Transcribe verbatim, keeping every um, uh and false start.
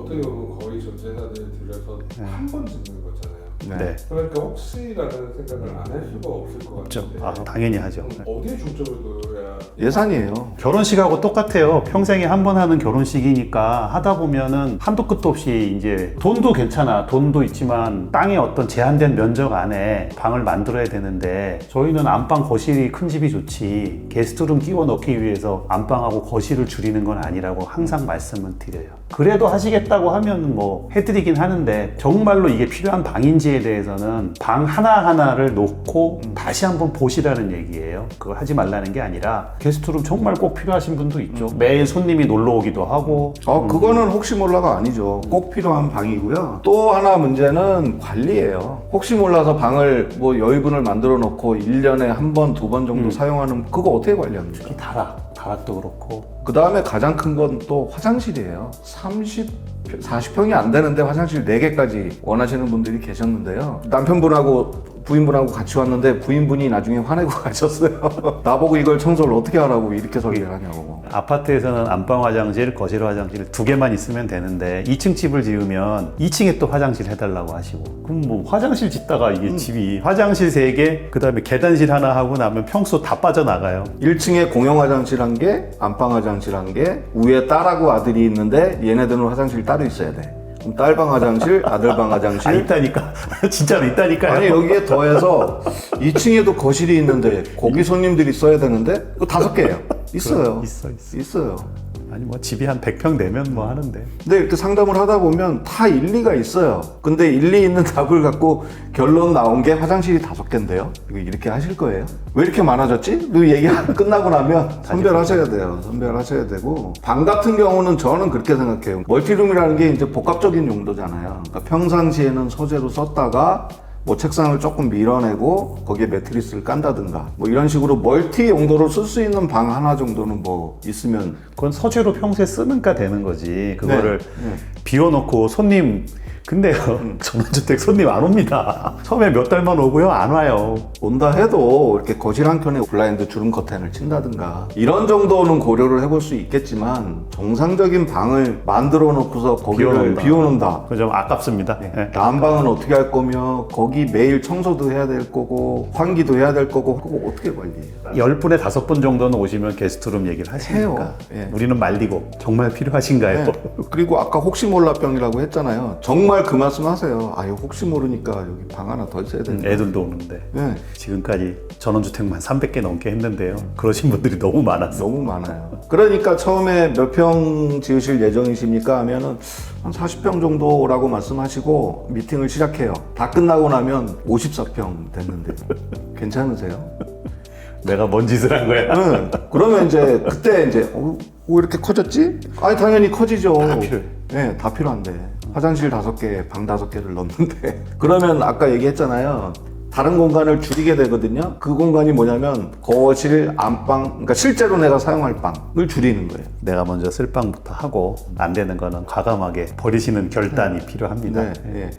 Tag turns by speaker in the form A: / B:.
A: 어떻게 보면 거의 전재산을 들여서
B: 네.
A: 한 번 짓는 거잖아요.
B: 네.
A: 그러니까 혹시라는 생각을 안 할 수가 없을 것
B: 없죠.
A: 같은데
B: 아, 당연히 하죠.
A: 그럼 어디에 중점을 둬야
C: 예산이에요.
B: 결혼식하고 똑같아요. 평생에 한 번 하는 결혼식이니까 하다 보면은 한도 끝도 없이 이제 돈도 괜찮아. 돈도 있지만 땅의 어떤 제한된 면적 안에 방을 만들어야 되는데 저희는 안방 거실이 큰 집이 좋지 게스트룸 끼워 넣기 위해서 안방하고 거실을 줄이는 건 아니라고 항상 말씀을 드려요. 그래도 하시겠다고 하면 뭐 해드리긴 하는데 정말로 이게 필요한 방인지에 대해서는 방 하나하나를 놓고 다시 한번 보시라는 얘기예요. 그걸 하지 말라는 게 아니라 게스트룸 정말 꼭 필요하신 분도 있죠. 매일 손님이 놀러 오기도 하고.
C: 어, 그거는 혹시 몰라가 아니죠. 꼭 필요한 방이고요. 또 하나 문제는 관리예요. 혹시 몰라서 방을 뭐 여유분을 만들어 놓고 일 년에 한 번, 두 번 정도
B: 음.
C: 사용하는 그거 어떻게 관리합니까?
B: 특히 다락, 다락도 그렇고.
C: 그 다음에 가장 큰 건 또 화장실이에요. 삼십, 사십 평이 안 되는데 화장실 네 개까지 원하시는 분들이 계셨는데요. 남편분하고 부인분하고 같이 왔는데 부인분이 나중에 화내고 가셨어요. 나보고 이걸 청소를 어떻게 하라고 이렇게 설계를 하냐고.
B: 아파트에서는 안방 화장실, 거실 화장실 두 개만 있으면 되는데 이 층 집을 지으면 이 층에 또 화장실 해달라고 하시고 그럼 뭐 화장실 짓다가 이게
C: 음.
B: 집이 화장실 세 개, 그 다음에 계단실 하나 하고 나면 평수 다 빠져나가요.
C: 일 층에 공용 화장실 한 개, 안방 화장실 한 개, 위에 딸하고 아들이 있는데 얘네들은 화장실 따로 있어야 돼. 그럼 딸방 화장실, 아들방 화장실.
B: 아, 있다니까. 진짜로 있다니까요.
C: 아니 여기에 더해서 이 층에도 거실이 있는데 거기 손님들이 써야 되는데 그거 다섯 개예요. 있어요.
B: 있어, 있어.
C: 있어요.
B: 아니 뭐 집이 한 백 평 되면 뭐 하는데.
C: 근데 이렇게 상담을 하다 보면 다 일리가 있어요. 근데 일리 있는 답을 갖고 결론 나온 게 화장실이 다섯 개인데요. 이거 이렇게 하실 거예요? 왜 이렇게 많아졌지? 그 얘기 끝나고 나면 선별하셔야 돼요. 선별하셔야 되고 방 같은 경우는 저는 그렇게 생각해요. 멀티룸이라는 게 이제 복합적인 용도잖아요. 그러니까 평상시에는 소재로 썼다가 뭐 책상을 조금 밀어내고 거기에 매트리스를 깐다든가 뭐 이런 식으로 멀티 용도로 쓸 수 있는 방 하나 정도는 뭐 있으면
B: 그건 서재로 평소에 쓰는가 되는 거지. 그거를
C: 네.
B: 비워놓고 손님 근데요 전원주택 손님 안 옵니다. 처음에 몇 달만 오고요 안 와요.
C: 온다 해도 이렇게 거실 한 켠에 블라인드 주름 커튼을 친다든가 이런 정도는 고려를 해볼 수 있겠지만 정상적인 방을 만들어 놓고서 거기를
B: 비워놓는다.
C: 비워놓는다.
B: 그거 좀 아깝습니다. 네.
C: 난방은 어떻게 할 거며 거기 매일 청소도 해야 될 거고 환기도 해야 될 거고 그거 어떻게 관리해요?
B: 열 분에 다섯 분 정도는 오시면 게스트룸 얘기를 하시니까
C: 해요. 예.
B: 우리는 말리고 정말 필요하신가요?
C: 네. 그리고 아까 혹시 몰라 병이라고 했잖아요. 정말 그 말씀 하세요. 아, 이거 혹시 모르니까 여기 방 하나 더 있어야
B: 음,
C: 되는데.
B: 애들도 오는데
C: 네.
B: 지금까지 전원주택만 삼백 개 넘게 했는데요. 그러신 분들이 너무 많았어요.
C: 너무 많아요. 그러니까 처음에 몇 평 지으실 예정이십니까? 하면은 한 사십 평 정도라고 말씀하시고 미팅을 시작해요. 다 끝나고 나면 오십사 평 됐는데 괜찮으세요?
B: 내가 뭔 짓을 한 거야?
C: 응. 그러면 이제 그때 이제 어, 왜 이렇게 커졌지? 아니 당연히 커지죠.
B: 다 필요해.
C: 네, 다 필요한데 화장실 다섯 개, 방 다섯 개를 넣는데 그러면 아까 얘기했잖아요. 다른 공간을 줄이게 되거든요. 그 공간이 뭐냐면 거실, 안방, 그러니까 실제로 내가 사용할 방을 줄이는 거예요.
B: 내가 먼저 쓸 방부터 하고 안 되는 거는 과감하게 버리시는 결단이 필요합니다.
C: 네, 예.